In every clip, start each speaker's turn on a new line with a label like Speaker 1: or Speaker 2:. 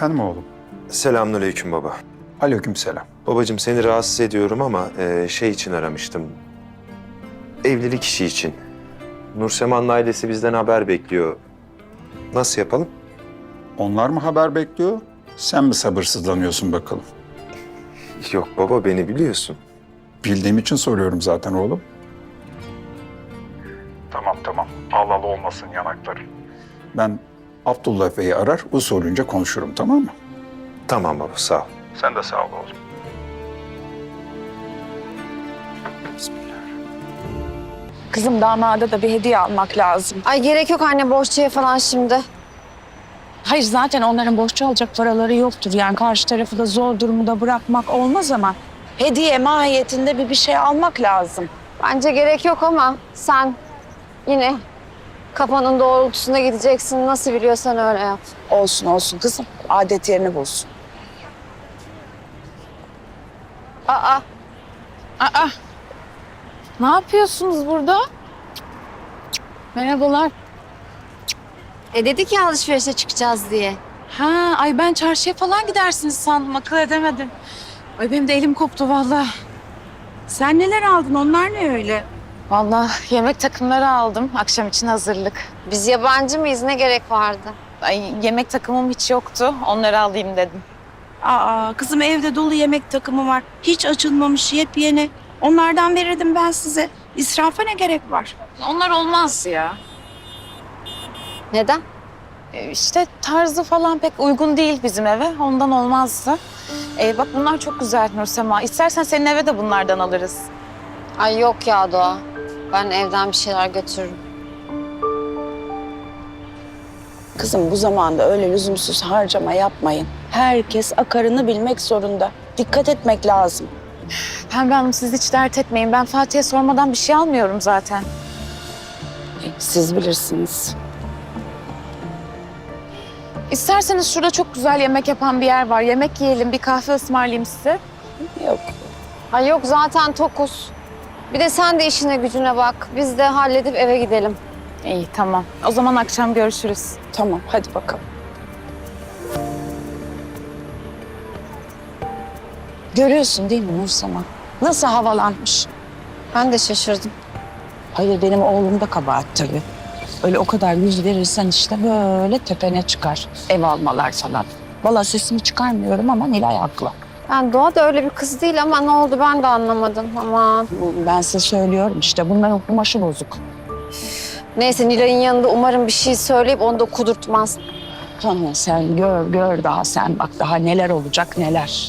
Speaker 1: Efendim oğlum?
Speaker 2: Selamünaleyküm baba.
Speaker 1: Aleykümselam.
Speaker 2: Babacığım seni rahatsız ediyorum ama şey için aramıştım. Evlilik işi için. Nursema'nın ailesi bizden haber bekliyor. Nasıl yapalım?
Speaker 1: Onlar mı haber bekliyor? Sen mi sabırsızlanıyorsun bakalım?
Speaker 2: Yok baba, beni biliyorsun.
Speaker 1: Bildiğim için soruyorum zaten oğlum. Tamam. Al olmasın yanakları. Ben Abdullah Bey'i arar, usulünce konuşurum, tamam mı?
Speaker 2: Tamam baba, sağ ol.
Speaker 1: Sen de sağ ol oğlum.
Speaker 3: Kızım damada da bir hediye almak lazım.
Speaker 4: Ay gerek yok anne borçluya falan şimdi.
Speaker 3: Hayır zaten onların borçlu alacak paraları yoktur. Yani karşı tarafı da zor durumda bırakmak olmaz ama hediye mahiyetinde bir şey almak lazım.
Speaker 4: Bence gerek yok ama sen yine kafanın doğrultusunda gideceksin. Nasıl biliyorsan öyle yap.
Speaker 3: Olsun kızım. Adet yerini bulsun.
Speaker 4: Aa,
Speaker 3: Aa, ne yapıyorsunuz burada? Merhabalar.
Speaker 4: dedik ya alışverişe çıkacağız diye.
Speaker 3: Ha, ay ben çarşıya falan gidersiniz sandım. Akıl edemedim. Ay benim de elim koptu vallahi. Sen neler aldın? Onlar ne öyle?
Speaker 5: Vallahi yemek takımları aldım. Akşam için hazırlık.
Speaker 4: Biz yabancı mıyız? Ne gerek vardı?
Speaker 5: Ay yemek takımım hiç yoktu. Onları alayım dedim.
Speaker 3: Aa, kızım evde dolu yemek takımı var. Hiç açılmamış yepyeni. Onlardan verirdim ben size. İsrafa ne gerek var?
Speaker 5: Onlar olmaz ya.
Speaker 4: Neden?
Speaker 5: İşte tarzı falan pek uygun değil bizim eve. Ondan olmazdı. Bak bunlar çok güzel Nursema. İstersen senin eve de bunlardan alırız.
Speaker 4: Ay yok ya Doğa. Ben evden bir şeyler götürürüm.
Speaker 3: Kızım bu zamanda öyle lüzumsuz harcama yapmayın. Herkes akarını bilmek zorunda. Dikkat etmek lazım.
Speaker 5: Pembe Hanım siz hiç dert etmeyin. Ben Fatih'e sormadan bir şey almıyorum zaten.
Speaker 3: Siz bilirsiniz.
Speaker 5: İsterseniz şurada çok güzel yemek yapan bir yer var. Yemek yiyelim, bir kahve ısmarlayayım size.
Speaker 3: Yok.
Speaker 4: Ay yok zaten tokuz. Bir de sen de işine gücüne bak. Biz de halledip eve gidelim.
Speaker 5: İyi tamam. O zaman akşam görüşürüz.
Speaker 3: Tamam hadi bakalım. Görüyorsun değil mi Nursema? Nasıl havalanmış?
Speaker 4: Ben de şaşırdım.
Speaker 3: Hayır benim oğlum da kabahat tabii. Öyle o kadar yüz verirsen işte böyle tepene çıkar. Ev almalar falan. Vallahi sesimi çıkarmıyorum ama Nilay haklı.
Speaker 4: Yani Doğa da öyle bir kız değil ama ne oldu ben de anlamadım. Aman.
Speaker 3: Ben size söylüyorum işte bunların kumaşı bozuk.
Speaker 4: Neyse Nilay'ın yanında umarım bir şey söyleyip onu da kudurtmaz.
Speaker 3: Tamam sen gör daha sen bak daha neler olacak neler.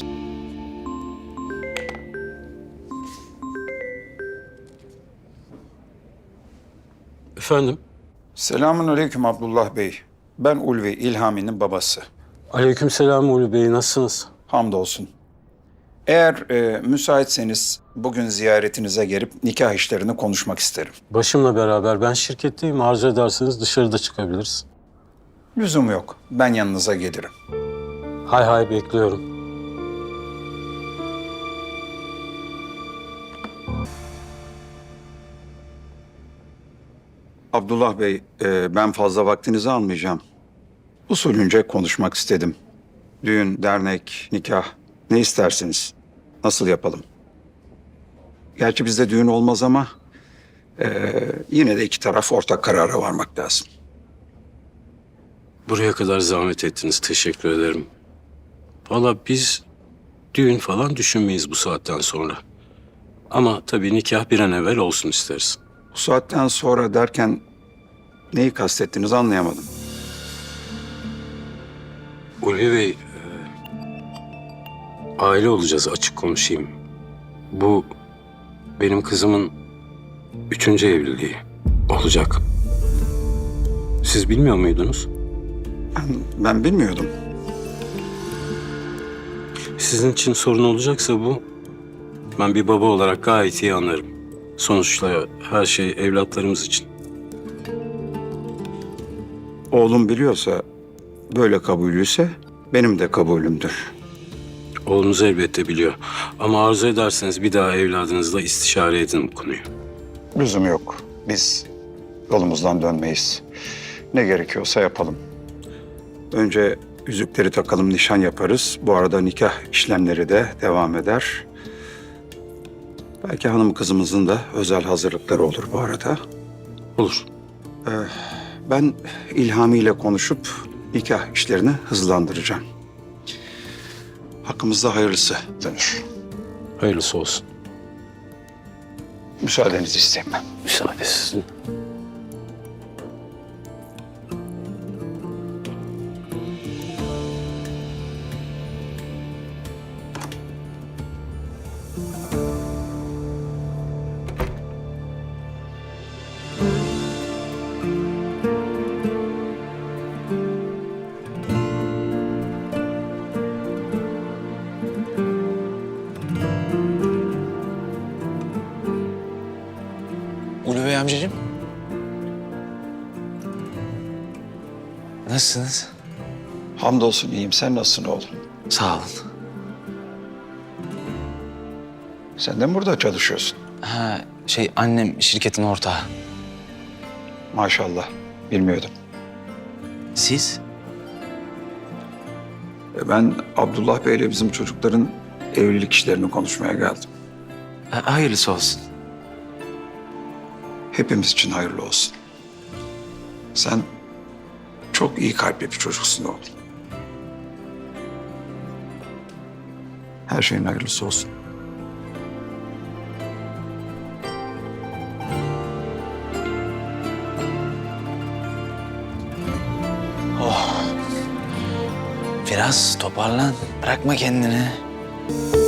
Speaker 6: Efendim?
Speaker 1: Selamünaleyküm Abdullah Bey. Ben Ulvi, İlhami'nin babası.
Speaker 6: Aleykümselam Ulu Bey, nasılsınız?
Speaker 1: Hamdolsun. Eğer müsaitseniz bugün ziyaretinize gelip nikah işlerini konuşmak isterim.
Speaker 6: Başımla beraber ben şirketteyim. Arzu ederseniz dışarıda çıkabiliriz.
Speaker 1: Lüzum yok. Ben yanınıza gelirim.
Speaker 6: Hay hay bekliyorum.
Speaker 1: Abdullah Bey, ben fazla vaktinizi almayacağım. Usulünce konuşmak istedim. Düğün, dernek, nikah, ne istersiniz? Nasıl yapalım? Gerçi bizde düğün olmaz ama yine de iki taraf ortak karara varmak lazım.
Speaker 6: Buraya kadar zahmet ettiniz. Teşekkür ederim. Valla biz düğün falan düşünmeyiz bu saatten sonra. Ama tabii nikah bir an evvel olsun isteriz.
Speaker 1: Bu saatten sonra derken neyi kastettiniz anlayamadım.
Speaker 6: Ulvi Bey, aile olacağız, açık konuşayım. Bu benim kızımın 3. evliliği olacak. Siz bilmiyor muydunuz?
Speaker 1: Ben bilmiyordum.
Speaker 6: Sizin için sorun olacaksa bu, ben bir baba olarak gayet iyi anlarım. Sonuçta her şey evlatlarımız için.
Speaker 1: Oğlum biliyorsa, böyle kabulüyse benim de kabulümdür.
Speaker 6: Oğlunuz elbette biliyor. Ama arzu ederseniz bir daha evladınızla istişare edin bu konuyu.
Speaker 1: Lüzum yok. Biz yolumuzdan dönmeyiz. Ne gerekiyorsa yapalım. Önce yüzükleri takalım, nişan yaparız. Bu arada nikah işlemleri de devam eder. Belki hanım kızımızın da özel hazırlıkları olur bu arada.
Speaker 6: Olur.
Speaker 1: Ben İlhami ile konuşup nikah işlerini hızlandıracağım. Hakkımızda hayırlısı dönür.
Speaker 6: Hayırlısı olsun.
Speaker 1: Müsaadenizi isteyeyim ben.
Speaker 6: Müsaade sizin.
Speaker 7: Ulu Bey amcacığım. Nasılsınız?
Speaker 1: Hamdolsun iyiyim. Sen nasılsın oğlum?
Speaker 7: Sağ olun.
Speaker 1: Sen de mi burada çalışıyorsun?
Speaker 7: Ha, annem şirketin ortağı.
Speaker 1: Maşallah. Bilmiyordum.
Speaker 7: Siz?
Speaker 1: Ben Abdullah Bey'le bizim çocukların evlilik işlerini konuşmaya geldim.
Speaker 7: Hayırlısı olsun.
Speaker 1: Hepimiz için hayırlı olsun. Sen çok iyi kalpli bir çocuksun oğlum. Her şeyin hayırlısı olsun.
Speaker 7: Biraz toparlan. Bırakma kendini.